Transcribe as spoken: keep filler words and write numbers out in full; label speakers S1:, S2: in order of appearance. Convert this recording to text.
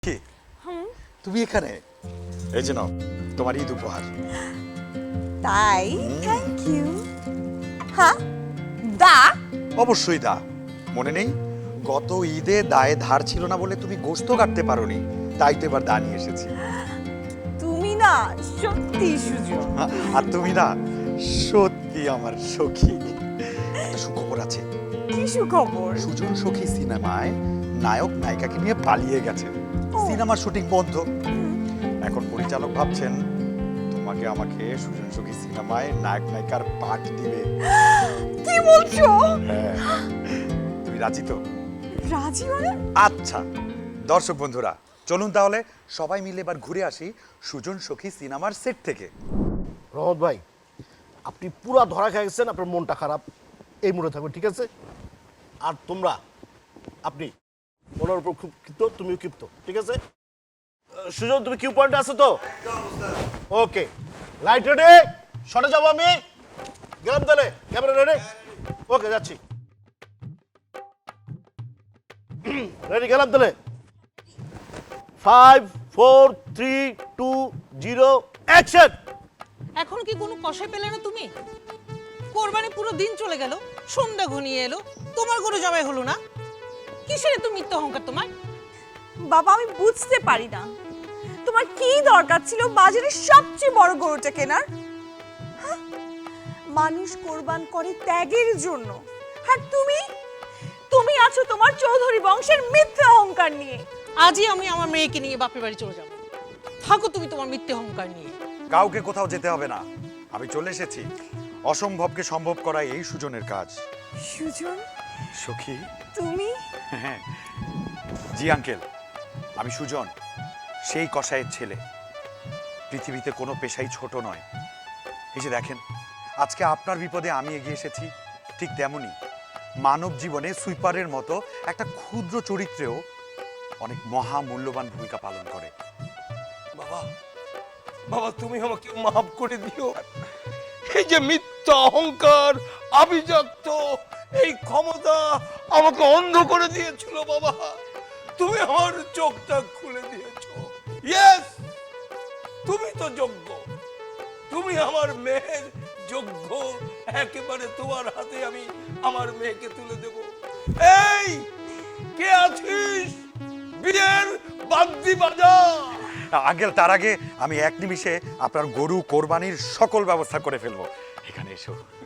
S1: কি তুমি এখানে? এই যে নাও তোমার ঈদ উপহার।
S2: তাই? Thank you. হ্যাঁ, দা?
S1: অবশ্যই দা। মনে নেই গত ঈদে দায়ে ধার ছিল না বলে তুমি গোশত কাটতে পারোনি, তাই তো এবার দা নিয়ে এসেছি।
S2: তুমি না সত্যি সুজন।
S1: আর তুমি না সত্যি আমার সখী। একটা সুখবর আছে।
S2: কি সুখবর?
S1: সুজন সখী সিনেমায় নায়ক নায়িকাকে নিয়ে পালিয়ে গেছে। সিনেমার শুটিং বন্ধ। এখন পরিচালক ভাবছেন তোমাকে আমাকে সুজন সখী সিনেমায় নায়ক নায়িকার পাঠ দিবে।
S2: কি বলছো?
S1: হ্যাঁ, তুমি রাজি তো?
S2: রাজি মানে?
S1: আচ্ছা দর্শক বন্ধুরা, চলুন তাহলে সবাই মিলে এবার ঘুরে আসি সুজন সখী সিনেমার সেট থেকে।
S3: রহমত ভাই, আপনি পুরা ধরা খেয়ে গেছেন, আপনার মনটা খারাপ, এই মুডে থাকবে, ঠিক আছে? আর তোমরা, আপনি ওনার উপর খুব ক্ষিপ্ত, তুমিও ক্ষিপ্ত, ঠিক আছে? আহ, সুজন, তুমি কিউ পয়েন্টে আছো তো? ওকে, লাইট রেডি, শটে যাবো আমি, গেলাম তাহলে, ক্যামেরা রেডি, ওকে যাচ্ছি, রেডি, গেলাম তাহলে, five four three two zero action.
S4: এখন কি কোনো কষাই পেলে না তুমি? কোরবানি পুরো দিন চলে গেল, সন্ধ্যা ঘনিয়ে এলো, তোমার গরু জবাই হলো না। কিসের এত মিথ্যা অহংকার তোমার?
S2: বাবা, আমি বুঝতে পারি না তোমার কি দরকার ছিল বাজারের সবচেয়ে বড় গরুটা কেনার। হ্যাঁ? মানুষ কোরবান করে ত্যাগের জন্য, আর তুমি তুমি আছো তোমার চৌধুরী বংশের মিথ্যা অহংকার নিয়ে।
S4: আজই আমি আমার মেয়েকে নিয়ে বাপের বাড়ি চলে যাব। থাকো তুমি তোমার মিথ্যা অহংকার নিয়ে।
S1: কাউকে কোথাও যেতে হবে না, আমি চলে এসেছি। অসম্ভবকে সম্ভব করা এই সুজনের কাজ।
S2: সুজন,
S1: সখী?
S2: তুমি?
S1: হ্যাঁ জি আঙ্কেল, আমি সুজন, সেই কসাইয়ের ছেলে। পৃথিবীতে কোনো পেশাই ছোট নয়। এই যে দেখেন, আজকে আপনার বিপদে আমি এগিয়ে এসেছি, ঠিক তেমনি মানব জীবনে সুইপারের মতো একটা ক্ষুদ্র চরিত্রেও অনেক মহা মূল্যবান ভূমিকা পালন করে।
S5: বাবা, বাবা তুমি আমাকে মাফ করে দিও। এই যে মিথ্যা অহংকার, আভিজাত্য, এই ক্ষমতা আমাকে অন্ধ করে দিয়েছিল বাবা, তুমি আমার চোখটা খুলে দিয়েছো। ইয়েস, তুমি তো যোগ্য, তুমি আমার মেয়ের যোগ্য। একেবারে তোমার হাতে আমি আমার মেয়েকে তুলে দেব। এই কে আছিস? বিয়ের বাদ্যি বাজা।
S1: আঙ্কেল, তার আগে আমি এক নিমিষে আপনার গরু কোরবানির সকল ব্যবস্থা করে ফেলবো। এখানে এসো।